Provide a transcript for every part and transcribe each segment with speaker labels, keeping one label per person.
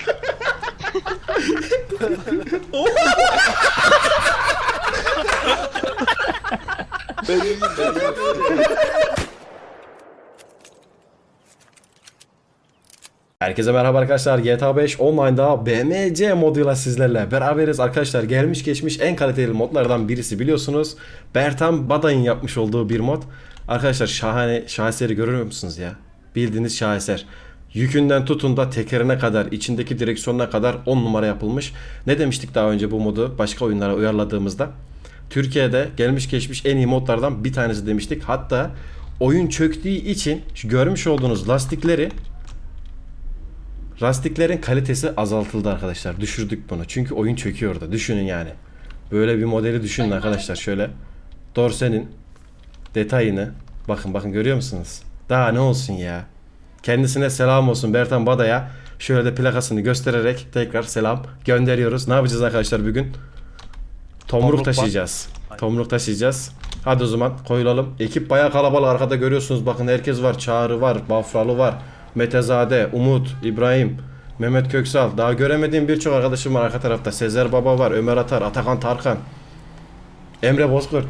Speaker 1: Ben iyiyim.
Speaker 2: Herkese merhaba arkadaşlar. GTA 5 Online'da BMC moduyla sizlerle beraberiz arkadaşlar. Gelmiş geçmiş en kaliteli modlardan birisi biliyorsunuz. Bertan Baday'ın yapmış olduğu bir mod. Arkadaşlar şaheseri görüyor musunuz ya? Bildiğiniz şaheser. Yükünden tutun da tekerine kadar, içindeki direksiyonuna kadar 10 numara yapılmış. Ne demiştik daha önce bu modu başka oyunlara uyarladığımızda? Türkiye'de gelmiş geçmiş en iyi modlardan bir tanesi demiştik. Hatta oyun çöktüğü için şu görmüş olduğunuz lastiklerin kalitesi azaltıldı arkadaşlar. Düşürdük bunu. Çünkü oyun çöküyordu. Düşünün yani. Böyle bir modeli düşünün arkadaşlar. Şöyle dorsenin detayını bakın görüyor musunuz? Daha ne olsun ya. Kendisine selam olsun Bertan Bada'ya. Şöyle de plakasını göstererek tekrar selam gönderiyoruz. Ne yapacağız arkadaşlar bugün? Tomruk taşıyacağız. Tomruk taşıyacağız. Hadi o zaman koyulalım. Ekip bayağı kalabalık arkada görüyorsunuz. Bakın herkes var. Çağrı var. Bafralı var. Metezade, Umut, İbrahim, Mehmet Köksal. Daha göremediğim birçok arkadaşım var arka tarafta. Sezer Baba var. Ömer Atar, Atakan Tarkan. Emre Bozkurt.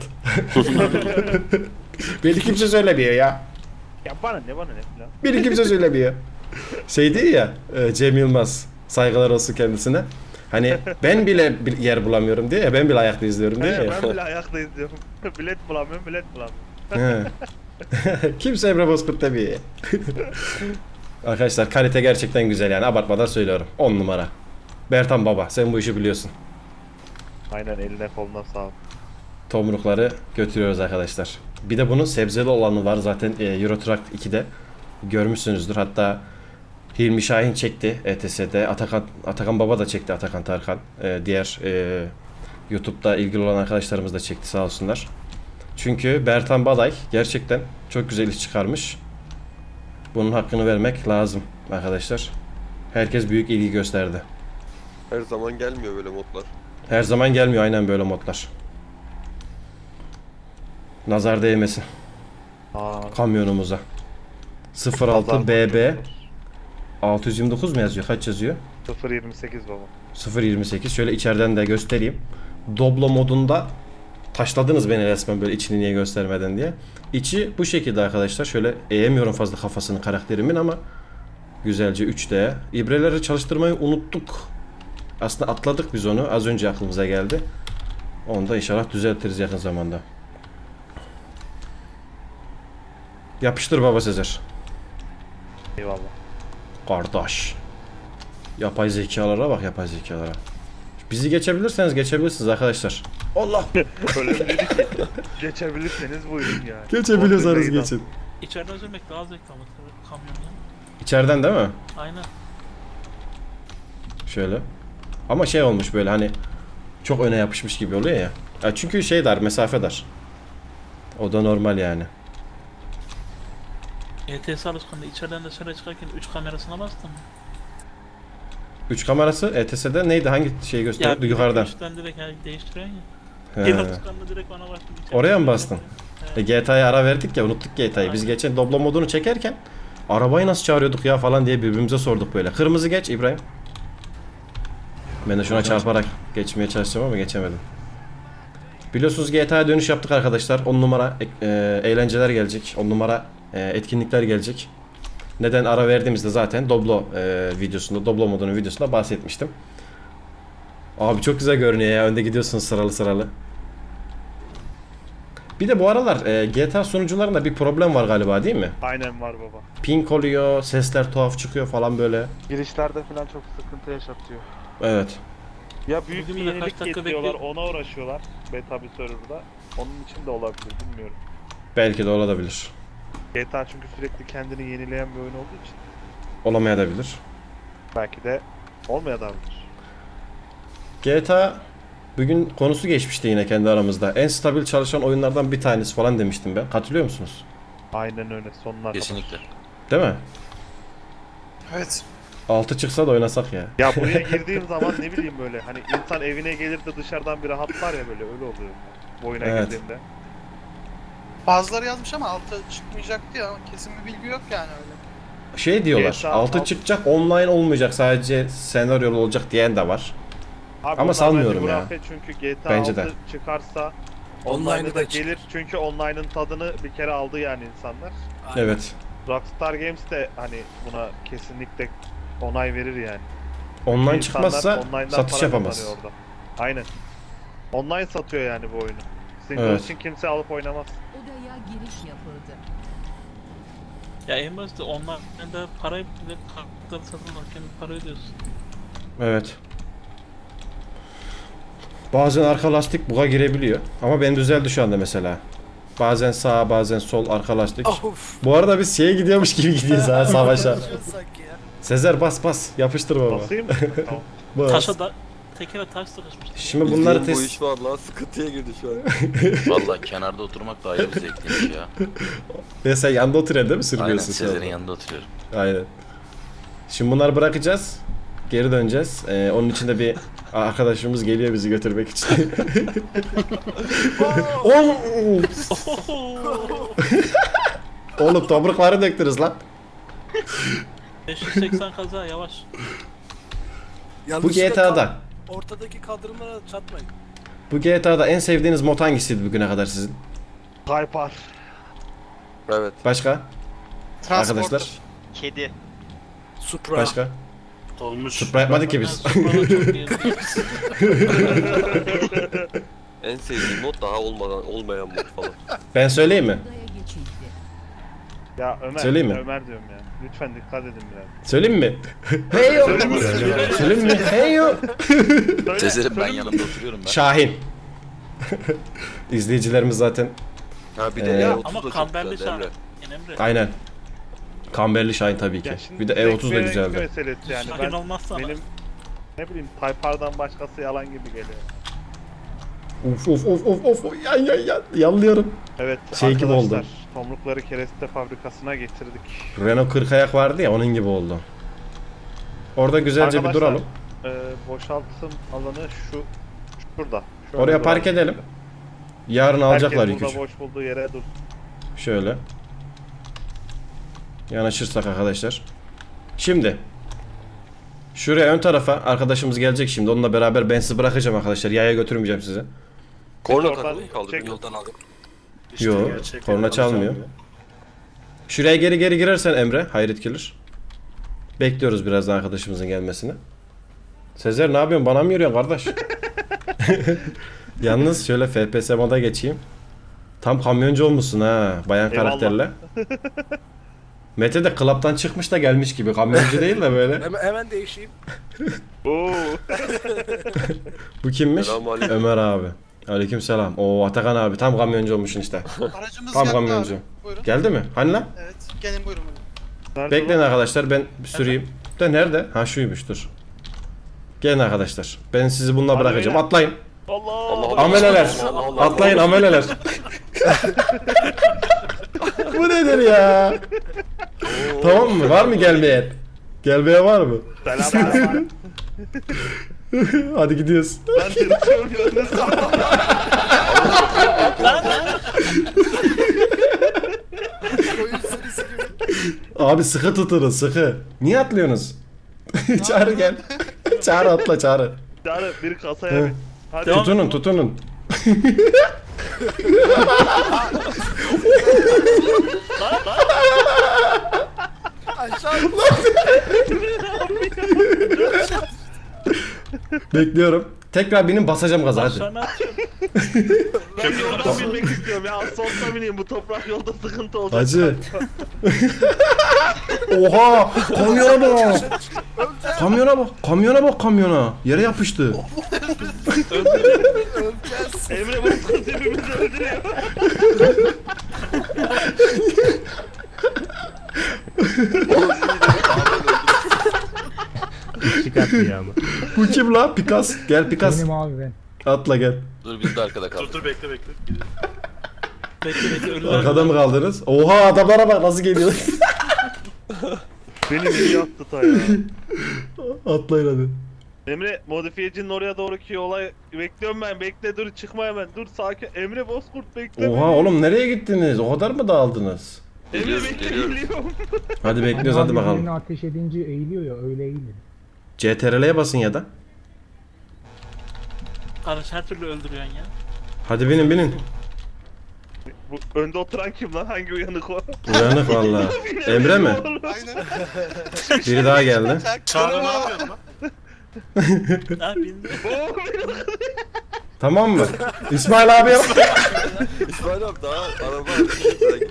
Speaker 2: Beni kimse söylemiyor ya.
Speaker 3: Ya bana ne falan.
Speaker 2: Beni kimse söylemiyor. Şey değil ya Cem Yılmaz. Saygılar olsun kendisine. Hani ben bile bir yer bulamıyorum diye ya, ben bile ayakta izliyorum diye ya.
Speaker 3: Ben bile ayakta izliyorum. Bilet bulamıyorum.
Speaker 2: Kimse Emre Bozkurt demiyor ya. Arkadaşlar kalite gerçekten güzel yani, abartmadan söylüyorum. 10 numara. Bertan Baba sen bu işi biliyorsun.
Speaker 3: Aynen, eline koluna sağlık.
Speaker 2: Tomrukları götürüyoruz arkadaşlar. Bir de bunun sebzeli olanı var zaten Euro Truck 2'de görmüşsünüzdür. Hatta Hilmi Şahin çekti ETS'de. Atakan Baba da çekti, Atakan Tarkan. Diğer YouTube'da ilgili olan arkadaşlarımız da çekti sağ olsunlar. Çünkü Bertan Baday gerçekten çok güzel iş çıkarmış. Bunun hakkını vermek lazım arkadaşlar. Herkes büyük ilgi gösterdi.
Speaker 1: Her zaman gelmiyor böyle modlar.
Speaker 2: Her zaman gelmiyor aynen böyle modlar. Nazar değmesin kamyonumuza. 06 BB 629 mu yazıyor? Kaç yazıyor?
Speaker 3: 0.28 baba.
Speaker 2: 0.28. Şöyle içeriden de göstereyim. Doblo modunda taşladınız beni resmen böyle içini niye göstermeden diye. İçi bu şekilde arkadaşlar. Şöyle eğemiyorum fazla kafasını karakterimin ama güzelce 3D. İbreleri çalıştırmayı unuttuk. Aslında atladık biz onu. Az önce aklımıza geldi. Onu da inşallah düzeltiriz yakın zamanda. Yapıştır baba Sezer.
Speaker 3: Eyvallah.
Speaker 2: Kardeş. Yapay zekalara bak, yapay zekalara. Bizi geçebilirseniz geçebilirsiniz arkadaşlar. Allah.
Speaker 3: Öyle mi dedik ki? Geçebilirseniz buyurun ya.
Speaker 2: Geçebiliyorsanız geçin.
Speaker 4: İçeriden sürmek daha zevkli ama kamyonda.
Speaker 2: İçeriden değil mi?
Speaker 4: Aynen.
Speaker 2: Şöyle. Ama şey olmuş böyle hani çok öne yapışmış gibi oluyor ya. Ya çünkü şey dar, mesafe dar. O da normal yani.
Speaker 4: ETS alışkanlığı içeriden dışarı çıkarken 3 kamerasına bastın mı?
Speaker 2: 3 kamerası ETS'de neydi? Hangi şeyi gösteriyordu? Yukarıdan.
Speaker 4: Üstten direkt değiştiriyorsun
Speaker 2: He.
Speaker 4: ya. El alışkanlığı direkt ona bastım.
Speaker 2: Oraya mı bastın?
Speaker 4: Evet.
Speaker 2: GTA'ya ara verdik ya, unuttuk GTA'yı. Biz
Speaker 4: Aynen.
Speaker 2: geçen Doblo modunu çekerken arabayı nasıl çağırıyorduk ya falan diye birbirimize sorduk böyle. Kırmızı geç İbrahim. Ben de şuna çarparak geçmeye çalışacağım ama geçemedim. Biliyorsunuz GTA'ya dönüş yaptık arkadaşlar. 10 numara eğlenceler gelecek. 10 numara etkinlikler gelecek. Neden ara verdiğimizde zaten Doblo videosunda, Doblo modunun videosunda bahsetmiştim. Abi çok güzel görünüyor ya. Önde gidiyorsunuz sıralı sıralı. Bir de bu aralar GTA sunucularında bir problem var galiba değil mi?
Speaker 3: Aynen var baba.
Speaker 2: Ping oluyor, sesler tuhaf çıkıyor falan böyle.
Speaker 3: Girişlerde falan çok sıkıntı yaşatıyor.
Speaker 2: Evet.
Speaker 3: Ya büyük
Speaker 4: Bugün
Speaker 3: bir
Speaker 4: bile kaç
Speaker 3: yenilik
Speaker 4: dakika
Speaker 3: getiriyorlar, ona uğraşıyorlar. Beta bir serverda. Onun için de olabilir, bilmiyorum.
Speaker 2: Belki de olabilir.
Speaker 3: GTA çünkü sürekli kendini yenileyen bir oyun olduğu için
Speaker 2: Olamayabilir.
Speaker 3: belki de olmayabilir.
Speaker 2: GTA bugün konusu geçmişti yine kendi aramızda. En stabil çalışan oyunlardan bir tanesi falan demiştim ben. Katılıyor musunuz?
Speaker 3: Aynen öyle, sonuna kadar.
Speaker 5: Kesinlikle.
Speaker 2: Değil mi?
Speaker 5: Evet.
Speaker 2: 6 çıksa da oynasak ya.
Speaker 3: Ya buraya girdiğim zaman ne bileyim böyle hani insan evine gelir de dışarıdan bir rahatlar ya, böyle öyle oluyor bu oyuna
Speaker 2: Evet.
Speaker 3: girdiğimde.
Speaker 5: Bazıları yazmış ama altı çıkmayacaktı ya. Kesin bir bilgi yok yani öyle.
Speaker 2: şey diyorlar.
Speaker 3: GTA
Speaker 2: 6
Speaker 3: 6
Speaker 2: çıkacak, online olmayacak, sadece senaryolu olacak diyen de var.
Speaker 3: Abi
Speaker 2: Ama
Speaker 3: onlar
Speaker 2: sanmıyorum
Speaker 3: bence
Speaker 2: ya.
Speaker 3: hurafe çünkü GTA
Speaker 2: Bence
Speaker 3: 6
Speaker 2: de.
Speaker 3: çıkarsa
Speaker 5: Online'ı
Speaker 3: online'ı
Speaker 5: da
Speaker 3: da gelir çünkü online'ın tadını bir kere aldı yani insanlar.
Speaker 2: Evet.
Speaker 3: Rockstar Games de hani buna kesinlikle onay verir yani.
Speaker 2: Online
Speaker 3: İnsanlar
Speaker 2: çıkmazsa
Speaker 3: online'dan
Speaker 2: satış
Speaker 3: para
Speaker 2: yapamaz.
Speaker 3: kazanıyor orada. Aynen. Online satıyor yani bu oyunu. Single
Speaker 2: Evet.
Speaker 3: için kimse alıp oynamaz.
Speaker 6: Odaya giriş yapıldı.
Speaker 4: Ya en basit online'da parayı bile kartları satın alırken para ödüyorsun.
Speaker 2: Evet. Bazen arka lastik buga girebiliyor. Ama ben düzeldi şu anda mesela. Bazen sağ, bazen sol arka lastik.
Speaker 5: Of.
Speaker 2: Bu arada biz şeye gidiyormuş gibi gidiyoruz ha, savaşa.
Speaker 5: Sanki ya.
Speaker 2: Sezer bas yapıştır baba.
Speaker 3: Basayım mı? Tamam.
Speaker 2: Bas.
Speaker 4: Taşa da tekere taş sıkışmış.
Speaker 2: Şimdi bunları
Speaker 1: Bildiğin bu
Speaker 2: test...
Speaker 1: iş var lan, sıkıntıya girdi şu an.
Speaker 7: Valla kenarda oturmak da ayrı bir zevkliymiş ya.
Speaker 2: Ya sen yanında oturuyorsun değil mi?
Speaker 7: Aynen
Speaker 2: Sürmüyorsun sen.
Speaker 7: Sezer'in yanında oturuyorum.
Speaker 2: Aynen. Şimdi bunları bırakacağız. Geri döneceğiz. Onun için de bir arkadaşımız geliyor bizi götürmek için. Oğlum tomrukları döktünüz lan.
Speaker 4: 580 kaza yavaş.
Speaker 2: Bu
Speaker 5: Yanlışlıkla
Speaker 2: GTA'da.
Speaker 5: ortadaki kaldırımlara çatmayın.
Speaker 2: Bu GTA'da en sevdiğiniz mod hangisiydi bugüne kadar sizin?
Speaker 3: Hyper.
Speaker 1: Evet.
Speaker 2: Başka? Arkadaşlar.
Speaker 8: Kedi.
Speaker 5: Supra.
Speaker 2: Başka?
Speaker 5: Olmuş.
Speaker 2: Supra yapmadık ki
Speaker 4: Ben
Speaker 2: biz.
Speaker 4: Supra'da çok iyi.
Speaker 1: En sevdiğim mod daha olmayan mod falan.
Speaker 2: Ben söyleyeyim mi?
Speaker 6: Odaya geçildi.
Speaker 3: Ya Ömer.
Speaker 2: Söyleyeyim mi?
Speaker 3: Ömer diyorum ya. Lütfen dikkat edin biraz.
Speaker 2: Söyleyeyim mi? Hey yo. Söyleyeyim mi? Hey yo.
Speaker 3: Söyle,
Speaker 7: Sezer'in ben
Speaker 3: söyle.
Speaker 7: yanında oturuyorum ben.
Speaker 2: Şahin. İzleyicilerimiz zaten
Speaker 1: Ha bir de
Speaker 2: Ee,
Speaker 1: E30
Speaker 4: Ama
Speaker 1: da çok
Speaker 4: kamberli
Speaker 1: güzel
Speaker 4: şarkı.
Speaker 1: Emre.
Speaker 4: Emre.
Speaker 2: aynen. Kamberli Şahin tabii ki.
Speaker 3: Ya şimdi
Speaker 2: Bir de
Speaker 3: zevk
Speaker 2: E30 da
Speaker 3: ve renk
Speaker 2: güzeldi.
Speaker 3: meselesi yani.
Speaker 4: Şahin
Speaker 3: Ben,
Speaker 4: olmazsa
Speaker 3: benim ne bileyim Typar'dan başkası yalan gibi geliyor.
Speaker 2: Of. Ya. Yanlıyorum.
Speaker 3: Evet
Speaker 2: Şey gibi
Speaker 3: arkadaşlar
Speaker 2: oldu.
Speaker 3: tomrukları kereste fabrikasına getirdik.
Speaker 2: Renault 40 ayak vardı ya, onun gibi oldu. Orada güzelce bir
Speaker 3: Arkadaşlar,
Speaker 2: duralım.
Speaker 3: Boşaltım alanı şurada. Şöyle
Speaker 2: Oraya
Speaker 3: duralım.
Speaker 2: park edelim. Yarın alacaklar
Speaker 3: Herkes
Speaker 2: yükü.
Speaker 3: burada boş bulduğu yere dur.
Speaker 2: Şöyle. Yanaşırsak arkadaşlar. Şimdi. Şuraya ön tarafa arkadaşımız gelecek şimdi. Onunla beraber ben sizi bırakacağım arkadaşlar. Yaya götürmeyeceğim sizi.
Speaker 1: Korna
Speaker 3: Oradan
Speaker 1: takılı mı kaldı?
Speaker 3: çek.
Speaker 5: Yoldan aldım.
Speaker 2: Yo, korna çalmıyor. Şuraya geri girersen Emre, Hayret gelir. Bekliyoruz birazdan arkadaşımızın gelmesini. Sezer ne yapıyorsun? Bana mı yürüyorsun kardeş? Yalnız şöyle FPS moda geçeyim. Tam kamyoncu olmuşsun ha, bayan
Speaker 3: Eyvallah.
Speaker 2: karakterle. Mete de klaptan çıkmış da gelmiş gibi. Kamyoncu değil de böyle.
Speaker 5: Hemen değişeyim.
Speaker 3: Oo.
Speaker 2: Bu kimmiş?
Speaker 1: Selamünaleyküm.
Speaker 2: Ömer abi. Aleykümselam. Oo Atakan abi tam kamyoncu olmuşsun işte.
Speaker 9: Aracımız
Speaker 2: Tam
Speaker 9: geldi
Speaker 2: kamyoncu.
Speaker 9: abi. Buyurun.
Speaker 2: Geldi mi? Hani lan?
Speaker 9: Evet. Gelin buyurun.
Speaker 3: Nerede
Speaker 2: Bekleyin
Speaker 3: lan?
Speaker 2: arkadaşlar, ben süreyim. De nerede? Ha şuymuş, dur. Gelin arkadaşlar. Ben sizi bununla
Speaker 3: Hadi
Speaker 2: bırakacağım.
Speaker 3: beyler.
Speaker 2: Atlayın.
Speaker 3: Allah.
Speaker 1: Allah.
Speaker 2: Ameleler.
Speaker 1: Allah Allah.
Speaker 2: Atlayın ameleler. Bu nedir ya? Tamam mı? Var mı gelmeyen? Gelmeye var mı?
Speaker 3: Selam.
Speaker 2: Hadi gidiyoruz.
Speaker 3: Ben tırtıyorum yalnız.
Speaker 5: Oyun serisi gibi.
Speaker 2: Abi sıkı tutunun, sıkı. Niye atlıyorsunuz? Çağrı gel. Çağrı atla Çağrı.
Speaker 3: Yani bir kasaya
Speaker 2: Hı.
Speaker 3: bin. Hadi.
Speaker 2: Tutunun tutunun.
Speaker 5: Aşağı.
Speaker 2: Bekliyorum. Tekrar benim basacağım gaza hadi.
Speaker 4: Aşağı ne yapıyorsun?
Speaker 3: Ben yoldan binmek istiyorum ya. Sonuna bineyim, bu toprak yolda sıkıntı olacak.
Speaker 2: Hacı. Oha! Kamyona bak! Kamyona bak! Kamyona bak kamyona! Yere yapıştı.
Speaker 5: Öleceğiz.
Speaker 3: Emre Bozkurt hepimizi öldürüyor.
Speaker 10: Çıkarttı ya ama.
Speaker 2: Bu kim la? Pikas. Gel Pikas.
Speaker 10: Benim abi ben.
Speaker 2: Atla gel.
Speaker 7: Dur biz de arkada kaldık.
Speaker 4: Bekle ölüler.
Speaker 2: Arkada mı kaldınız? Oha adamlara bak nasıl geliyor.
Speaker 3: Beni iyi attı ta ya.
Speaker 2: Atlayın hadi.
Speaker 3: Emre modifiyecinin oraya doğruki yola bekliyorum ben. Bekle dur çıkma hemen. Dur sakin. Emre Bozkurt bekle
Speaker 2: Oha
Speaker 3: beni.
Speaker 2: oğlum nereye gittiniz? O kadar mı dağıldınız?
Speaker 1: Geliyoruz,
Speaker 3: Emre
Speaker 1: geliyoruz.
Speaker 3: bekliyorum.
Speaker 2: Hadi bekliyoruz hadi bakalım.
Speaker 8: Birini ateş edince eğiliyor ya öyle eğilir.
Speaker 2: CTRL'ye basın ya da.
Speaker 4: Kardeş her türlü öldürüyorsun ya.
Speaker 2: Hadi binin binin.
Speaker 3: Bu önde oturan kim lan? Hangi uyanık o?
Speaker 2: Uyanık valla. Emre mi?
Speaker 5: Aynen.
Speaker 2: Biri daha geldi.
Speaker 5: Çağrı ne yapıyorsun lan?
Speaker 4: Ha bildi.
Speaker 2: Tamam mı? İsmail abi yap.
Speaker 1: İsmail abi daha araba hareket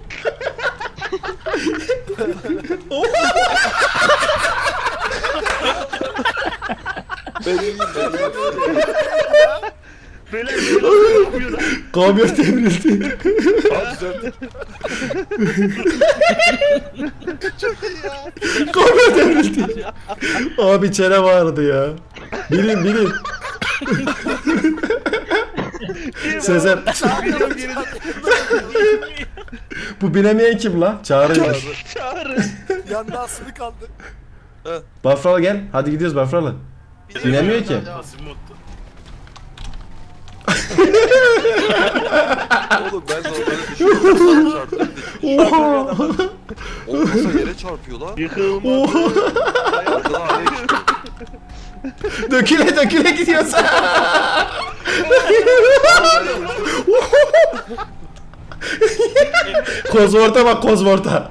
Speaker 1: benim
Speaker 3: Böyle bir şey yapıyor lan.
Speaker 2: Kamyon devrildi. Kamyon devrildi. Abi çene vardı ya. Binin binin. Sezer.
Speaker 3: Biliyorum geri
Speaker 2: Bu binemeyen kim la? Çağrıymış.
Speaker 3: çağırın.
Speaker 5: Yanda asılı kaldı.
Speaker 2: Bafralı gel. Hadi gidiyoruz Bafralı. Binemiyor ki.
Speaker 1: Oğlum ben normalde düşünüyorum. Çarptım.
Speaker 2: Oha.
Speaker 1: Olmasa yere çarpıyor lan.
Speaker 3: Yıkılmadı.
Speaker 1: Arkadan araya çıktı.
Speaker 2: Döküle döküle gidiyorsun. Kozvorta bak kozvorta.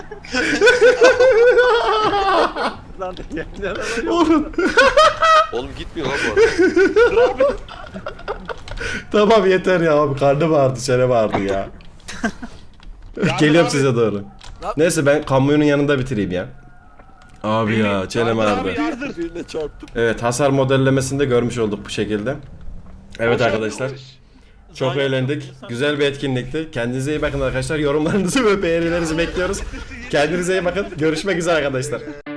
Speaker 2: Oğlum.
Speaker 1: Oğlum gitmiyor lan bu arada.
Speaker 2: Tamam yeter ya abi karnım ağrıdı çene ağrıdı ya. Geliyorum size doğru. Neyse ben kamyonun yanında bitireyim ya. Abi ya çenem ağrıdı.
Speaker 1: Birine çarptım.
Speaker 2: Evet hasar modellemesinde görmüş olduk bu şekilde. Evet arkadaşlar. Çok eğlendik. Güzel bir etkinlikti. Kendinize iyi bakın arkadaşlar. Yorumlarınızı ve beğenilerinizi bekliyoruz. Kendinize iyi bakın. Görüşmek üzere arkadaşlar.